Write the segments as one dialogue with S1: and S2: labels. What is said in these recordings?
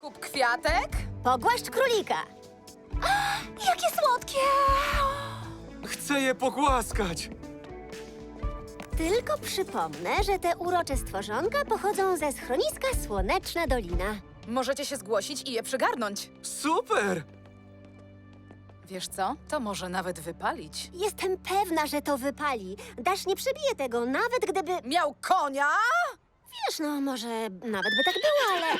S1: Kup kwiatek?
S2: Pogłaszcz królika. Jakie słodkie!
S3: Chcę je pogłaskać.
S2: Tylko przypomnę, że te urocze stworzonka pochodzą ze schroniska Słoneczna Dolina.
S1: Możecie się zgłosić i je przygarnąć.
S3: Super!
S1: Wiesz co? To może nawet wypalić.
S2: Jestem pewna, że to wypali. Dash nie przebije tego, nawet gdyby...
S1: Miał konia?
S2: Wiesz, no może nawet by tak było, ale...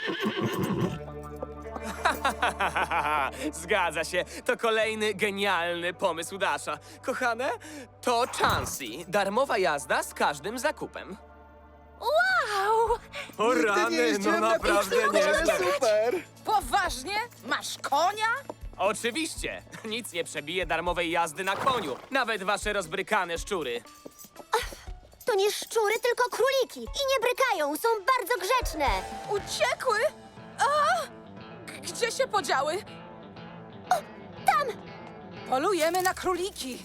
S3: Zgadza się. To kolejny genialny pomysł Dasha. Kochane, to Chansey. Darmowa jazda z każdym zakupem.
S2: Wow!
S3: O rany, no naprawdę nieźle.
S4: Super!
S1: Poważnie? Masz konia?
S3: Oczywiście. Nic nie przebije darmowej jazdy na koniu. Nawet wasze rozbrykane szczury.
S2: To nie szczury, tylko króliki. I nie brykają, są bardzo grzeczne.
S1: Uciekły? Gdzie się podziały?
S2: Tam!
S1: Polujemy na króliki.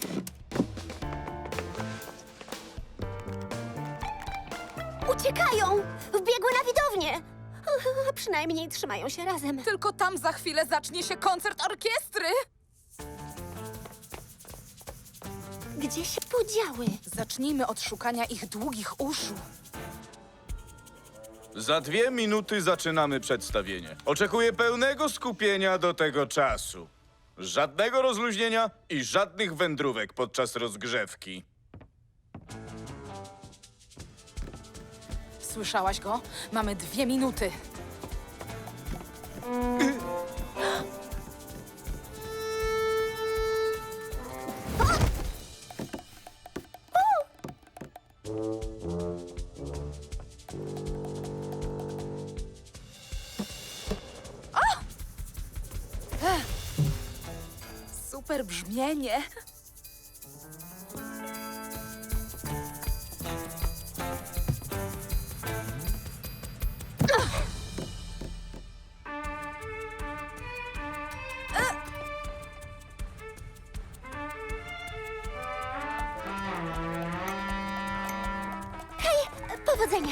S2: Uciekają! Wbiegły na widownię. Przynajmniej trzymają się razem.
S1: Tylko tam za chwilę zacznie się koncert orkiestry.
S2: Gdzie się podziały?
S1: Zacznijmy od szukania ich długich uszu.
S4: Za 2 minuty zaczynamy przedstawienie. Oczekuję pełnego skupienia do tego czasu. Żadnego rozluźnienia i żadnych wędrówek podczas rozgrzewki.
S1: Słyszałaś go? Mamy 2 minuty. Super brzmienie.
S2: Powodzenia!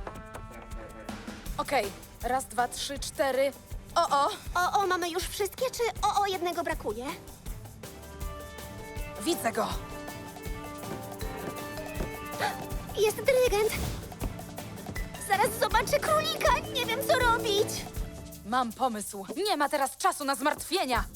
S1: Okej, raz, dwa, trzy, cztery. O!
S2: O, mamy już wszystkie, czy jednego brakuje?
S1: Widzę go.
S2: Jest dyrygent. Zaraz zobaczę królika, nie wiem co robić.
S1: Mam pomysł. Nie ma teraz czasu na zmartwienia.